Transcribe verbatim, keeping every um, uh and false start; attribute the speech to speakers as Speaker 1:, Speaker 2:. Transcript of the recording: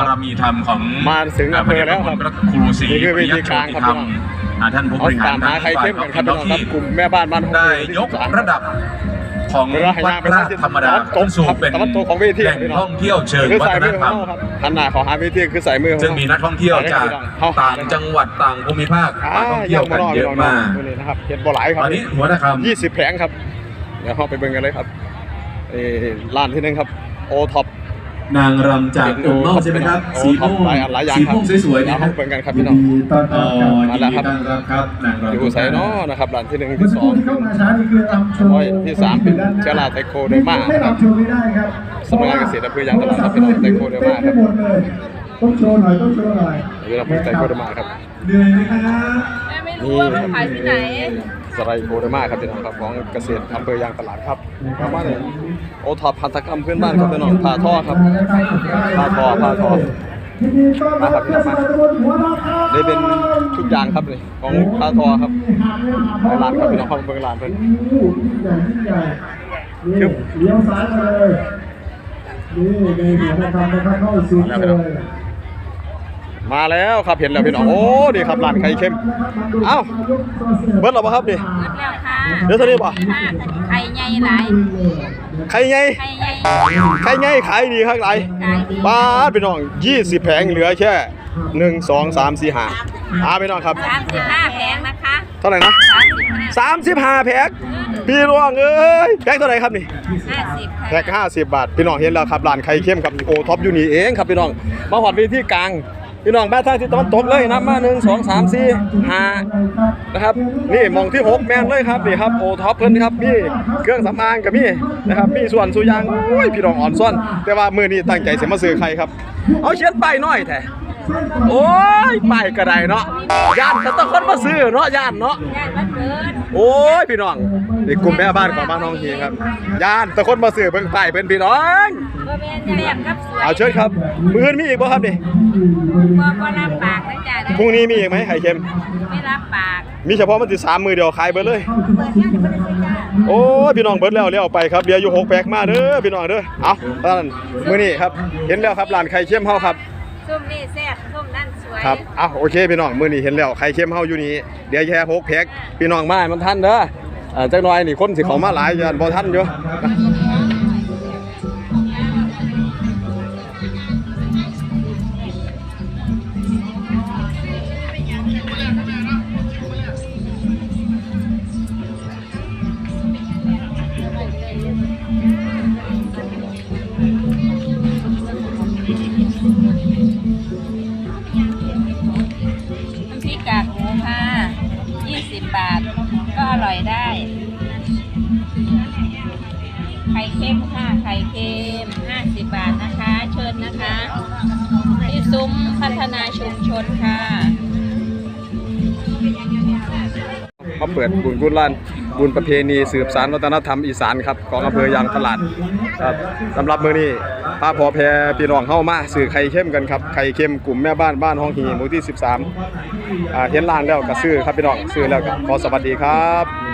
Speaker 1: ารมีธรรมของ
Speaker 2: มาถึงอำเภอแล้วครับ
Speaker 1: พระครูศรี
Speaker 2: นี่คือวิธีการครับ
Speaker 1: ธรรมท่านผู้บริหาร
Speaker 2: หาใครเข้มกันครับพี่น้องครับกลุ่มแม่บ้านบ้านห้อง
Speaker 1: ได้ยกระดับของวัดพระธรรมดาขึ้นสู่เป็นแหล่งท่องเที่ยวเชิงวัฒนธรรม
Speaker 2: หันหน้าขอหาเวทีคือใส่มือ
Speaker 1: ซึ่งมีนักท่องเที่ยวจากต่างจังหวัดต่างภูมิภาคมาท่องเที่ยวกันเยอะมาก
Speaker 2: นะครับเห็นบ่หลายครับ
Speaker 1: ตอนนี้หัวหน้าคำ
Speaker 2: ยี่สิบแผงครับเดี๋ยวเข้าไปเบิ่งกันเลยครับเออร้านที่หนึ่งครับโอท็อป
Speaker 1: นางรำจากตุ่มเมาใช่ไหมครับสีม่วงสีม่วงสวยๆนะครับ
Speaker 2: เบิ่งกันครับพี่น้อง
Speaker 1: มาแล้วครับครับนางรำ
Speaker 2: อยู่ไซโน่นะครับร้านที่หนึ่งที่สองที่สามเป็นเชลาไทโคเดอร์มาครับสำนักงานเกษตรอำเภอยางตลาดครับพี่น้องไทโคเดอร์มาครับ
Speaker 3: ต้องโชว์หน่อยต้องโชว์หน่อย
Speaker 2: นี่เราเป็นไทโคเดอร์มาครับ
Speaker 3: เหนื่อยไหมครับ
Speaker 4: ไม่รู้ว่ามันขายที่ไหน
Speaker 2: สไลโคเดอร์มาครับพี่น้องครับของเกษตรอำเภอยางตลาดครับประมาณนี้โอท็อปพันธกรรมพื้นบ้านครับพี่น้องผ้าท่อครับผ้าท่อผ้าท่อมาครับพี่น้องมานี่เป็นทุกอย่างครับเลยของผ้าท่อครับร้านครับพี่น้องเข้าเบิ่งร้านเพิ่น
Speaker 3: เลี้ยวซ้ายมาเลยนี่ในหัวหน้าคำนะครับเข้าสู่เลย
Speaker 2: มาแล้วครับเห็นแล้วพี่น้องโอ้ดีครับร้านไข่เค็มเอ้าเบิร์ดหรอปะครับดิเดี๋ยวเท่านี้ป่ะ
Speaker 4: ไข่ใหญ่หลาย
Speaker 2: ไข่ใหญ่
Speaker 4: ไข่ใหญ่
Speaker 2: ไข่ใหญ่ขายดีครับไรบ้าพี่น้องยี่สิบแผงเหลือแค่หนึ่งสองสามสี่ห้าอาพี่น้องครับ
Speaker 4: สามสิบห้าแผงนะคะ
Speaker 2: เท่าไหร่นะสามสิบห้าแผงพี่น้องเอ้ยแพ็คเท่าไหร่ครับนี่
Speaker 4: ห้าสิบ
Speaker 2: แพ็คห้าสิบบาทพี่น้องเห็นแล้วครับร้านไข่เค็มกับโอท็อปอยู่นี่เองครับพี่น้องมาหอดเวทีกลางพี่น้องบ้านทางทิศตะวันตกเลยนะมาหนึ่งสองสามสี่ห้านะครับนี่มองที่หกแมนเลยครับนี่ครับโอท็อปเพิ่นครับมีเครื่องสำอางกับมีนะครับมีส่วนสุยางโอ้ยพี่น้องอ่อนซ่อนแต่ว่ามือนี้ตั้งใจเสียมาซื้อใครครับเอาเชียนป้ายน้อยแท้โอ้ยป้ายกระไดเนาะย่านแต่ต้องคนมาซื้อเนาะย่านเนาะโอ้ยพี่น้องนี่กลุ่มแม่บ้านของบ้านน้องเฮียครับย่านแต่คนมาซื้อเพิ่งป้ายเป็นพี่น้องเอาเชิญครับมือมีอีกบ่ครับนี่
Speaker 4: ก็รับปากนะจ๊ะ
Speaker 2: พรุ่งนี้มีอีกไหมไข่เค็ม
Speaker 4: ไม่รับปาก
Speaker 2: มีเฉพาะมันติดสามมือเดียวขายเบิร์ดเลยโอ้พี่น้องเบิร์ดแล้วเลี้ยวไปครับเดี๋ยวอยู่หกแพ็คมาเด้อพี่น้องเด้อเอาตอนนั้นมือนี้ครับเห็นแล้วครับร้านไข่เค็มเฮาครับ
Speaker 4: ส้มนี่แซ่บส้มนั่นสวย
Speaker 2: ครับเอาโอเคพี่น้องมือนี้เห็นแล้วไข่เค็มเฮาอยู่นี่เดี๋ยวแค่หกแพ็คพี่น้องมามันทันเด้อจักหน่อยนี่คนสิเขามาหลายยันบ่ทันอยู่
Speaker 4: กากหมูค่ะยี่สิบบาทก็อร่อยได้ไข่เค็มค่ะไข่เค็มห้าสิบบาทนะคะเชิญนะคะที่ซุ้มพัฒนาชุมชนค่ะ
Speaker 2: มาเปิดบุญกุศลบุญประเพณีสืบสานวัฒนธรรมอีสานครับของอำเภอยางตลาดครับสำหรับมื้อนี้ป้าพอแพรพี่น้องเฮามาซื้อไข่เค็มกันครับไข่เค็มกลุ่มแม่บ้านบ้านห้องหีหมู่ที่สิบสามอ่าเห็นร้านแล้วก็ซื้อครับพี่น้องซื้อแล้วก็ขอสวัสดีครับ